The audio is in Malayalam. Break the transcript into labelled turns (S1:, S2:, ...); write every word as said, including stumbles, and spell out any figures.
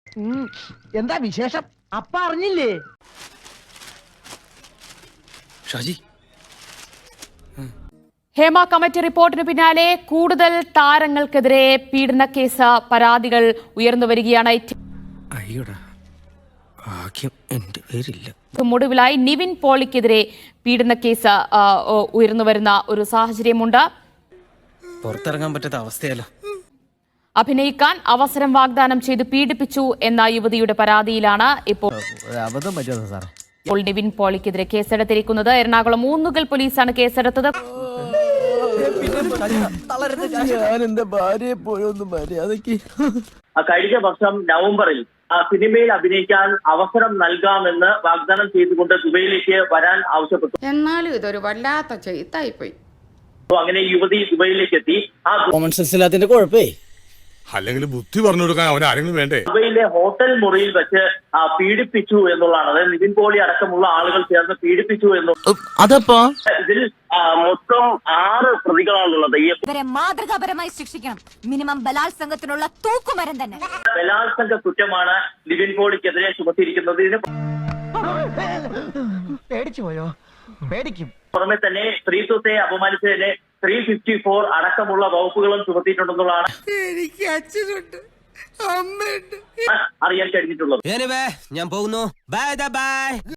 S1: എന്താ വിശേഷം? അപ്പ അറിഞ്ഞില്ലേ?
S2: ഷാജി,
S3: ഹേമ കമ്മിറ്റി റിപ്പോർട്ടിന് പിന്നാലെ കൂടുതൽ താരങ്ങൾക്കെതിരെ പീഡന കേസ് പരാതികൾ ഉയർന്നു വരികയാണ്.
S2: അയ്യോടാ, ഭാഗ്യം എന്റെ പേരില്ല.
S3: ഒടുവിലായി നിവിൻ പോളിക്കെതിരെ പീഡന കേസ് ഉയർന്നു വരുന്ന ഒരു സാഹചര്യമുണ്ട്.
S2: പുറത്തിറങ്ങാൻ പറ്റാത്ത അവസ്ഥയല്ല.
S3: അഭിനയിക്കാൻ അവസരം വാഗ്ദാനം ചെയ്ത് പീഡിപ്പിച്ചു എന്ന യുവതിയുടെ പരാതിയിലാണ് ഇപ്പോൾ ഇപ്പോൾ നിവിൻ പോളിക്കെതിരെ കേസെടുത്തിരിക്കുന്നത്. എറണാകുളം ഊന്നുകൽ പോലീസാണ് കേസെടുത്തത്.
S4: കഴിഞ്ഞ വർഷം നവംബറിൽ സിനിമയിൽ അഭിനയിക്കാൻ അവസരം നൽകാമെന്ന് വാഗ്ദാനം ചെയ്തുകൊണ്ട് ദുബൈയിലേക്ക് വരാൻ ആവശ്യപ്പെട്ടു.
S5: എന്നാലും ഇതൊരു വല്ലാത്ത ചെയ്തായിപ്പോയി.
S4: അങ്ങനെ യുവതി ദുബൈയിലേക്ക് എത്തി. ആ
S2: കോമൺ സെൻസ് ഇല്ലാത്തതിന്റെ കുഴപ്പേ,
S6: അല്ലെങ്കിൽ ബുദ്ധി പറഞ്ഞു കൊടുക്കാൻ അവൻ ആരെങ്കിലും വേണ്ടേ?
S4: ദുബൈയിലെ ഹോട്ടൽ മുറിയിൽ വെച്ച് പീഡിപ്പിച്ചു എന്നുള്ളതാണ്. അതായത് നിവിൻ പോളി അടക്കമുള്ള ആളുകൾ ചേർന്ന് പീഡിപ്പിച്ചു എന്നുള്ളതപ്പോ ഇതിൽ മൊത്തം ആറ് പ്രതികളാണുള്ളത്.
S7: ഇവരെ മാതൃകാപരമായി ശിക്ഷിക്കണം. മിനിമം ബലാത്സംഗത്തിനുള്ള തൂക്കുമരം തന്നെ.
S4: ബലാത്സംഗ കുറ്റമാണ് നിവിൻ പോളിക്കെതിരെ ചുമത്തിയിരിക്കുന്നത്. ഇതിന്
S1: പേടിച്ചു പോയോ? പേടിക്കും.
S4: പുറമെ തന്നെ സ്ത്രീത്വത്തെ അപമാനിച്ചതിന് ത്രീ ഫിഫ്റ്റി ഫോർ അടക്കമുള്ള വകുപ്പുകളും ചുമത്തിയിട്ടുണ്ടെന്നുള്ളതാണ് അറിയാൻ കഴിഞ്ഞിട്ടുള്ളത്.
S2: ഞാൻ പോകുന്നു. Bye by.